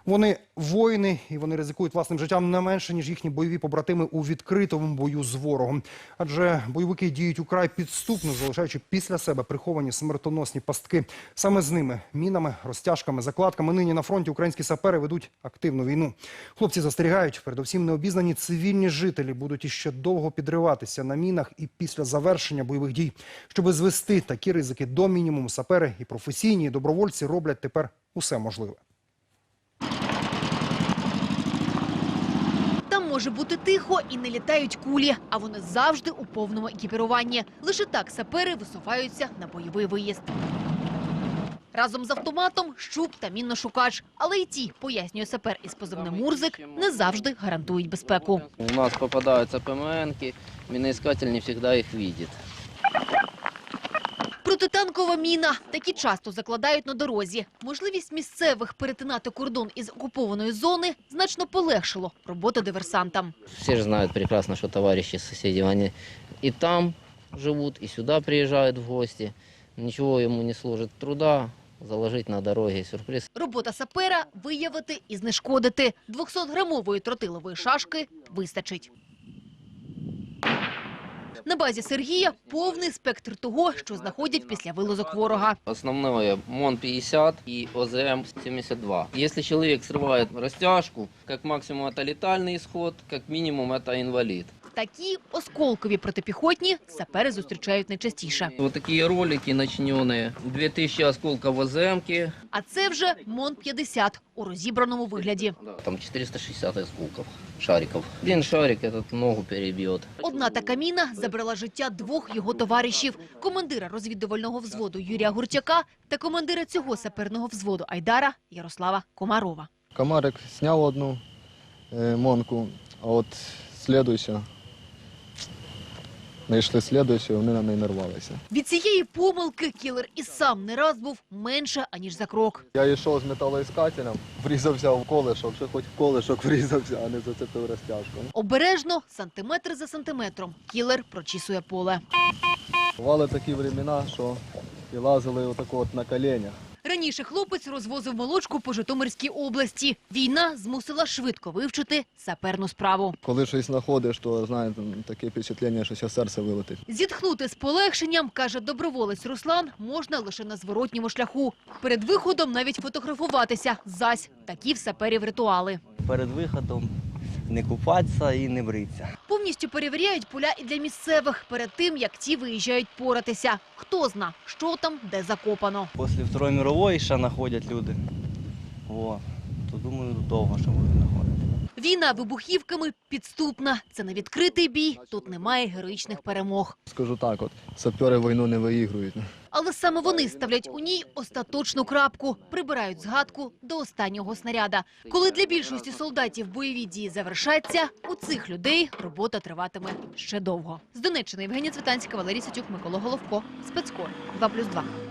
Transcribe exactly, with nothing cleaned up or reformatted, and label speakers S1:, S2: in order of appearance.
S1: Вони воїни, і вони ризикують власним життям не менше, ніж їхні бойові побратими у відкритому бою з ворогом. Адже бойовики діють украй підступно, залишаючи після себе приховані смертоносні пастки. Саме з ними – мінами, розтяжками, закладками – нині на фронті українські сапери ведуть активну війну. Хлопці застерігають, передусім необізнані цивільні жителі будуть іще довго підриватися на мінах і після завершення бойових дій. Щоби звести такі ризики до мінімуму, сапери і професійні, і добровольці роблять тепер усе можливе.
S2: Там може бути тихо і не літають кулі, а вони завжди у повному екіпіруванні. Лише так сапери висуваються на бойовий виїзд. Разом з автоматом, щуп та мінношукач. Але й ті, пояснює сапер із позивним «Мурзик», не завжди гарантують безпеку.
S3: У нас попадаються ПМНки, міноіскатель не завжди їх бачить.
S2: Протитанкова міна. Такі часто закладають на дорозі. Можливість місцевих перетинати кордон із окупованої зони значно полегшило роботу диверсантам.
S3: Всі ж знають прекрасно, що товариші сусіди, вони і там живуть, і сюди приїжджають в гості. Нічого йому не служить труда заложити на дорогі сюрприз.
S2: Робота сапера – виявити і знешкодити. двохсотграмової тротилової шашки вистачить. На базі Сергія повний спектр того, що знаходять після вилазок ворога.
S3: Основное МОН пятьдесят и ОЗМ семьдесят два. Если человек срывает растяжку, как максимум это летальный исход, как минимум это инвалид.
S2: Такі осколкові протипіхотні сапери зустрічають найчастіше.
S3: Вот такие ролики начиненные. две тысячи осколков ОЗМки.
S2: А це вже МОН п'ятдесят у розібраному вигляді.
S3: Там четыреста шестьдесят осколков, шариков. Один шарик этот ногу перебьет.
S2: Одна така міна забрала життя двох його товаришів – командира розвідувального взводу Юрія Гурчака та командира цього саперного взводу Айдара Ярослава Комарова.
S4: Комарик сняв одну е, монку, а от слідуюча, знайшли слідуючу, вони на неї нарвалися.
S2: Від цієї помилки кілер і сам не раз був менше, аніж за крок.
S4: Я йшов з металоіскателем, врізався в колишок, що хоч в колишок врізався, а не зацепив розтяжку.
S2: Обережно, сантиметр за сантиметром, кілер прочісує поле.
S4: Бували такі времена, що і лазили отако от на коленях.
S2: Раніше хлопець розвозив молочку по Житомирській області. Війна змусила швидко вивчити саперну справу.
S4: Коли щось знаходиш, то, знаєте, таке впечатлення, що зараз серце вилетить.
S2: Зітхнути з полегшенням, каже доброволець Руслан, можна лише на зворотньому шляху. Перед виходом навіть фотографуватися. Зась, такі в саперів ритуали.
S5: Перед виходом не купатися і не бритися.
S2: Повністю перевіряють поля і для місцевих перед тим, як ті виїжджають поратися. Хто зна, що там, де закопано.
S5: Після Другої світової ще знаходять люди. О, то думаю, довго ще будуть знаходити.
S2: Війна вибухівками підступна. Це не відкритий бій, тут немає героїчних перемог.
S4: Скажу так, от сапери війну не виігрують.
S2: Але саме вони ставлять у ній остаточну крапку, прибирають згадку до останнього снаряда. Коли для більшості солдатів бойові дії завершаться, у цих людей робота триватиме ще довго. З Донеччини Євгенія Цвітанська, Валерій Сатюк, Микола Головко. Спецкор два плюс два.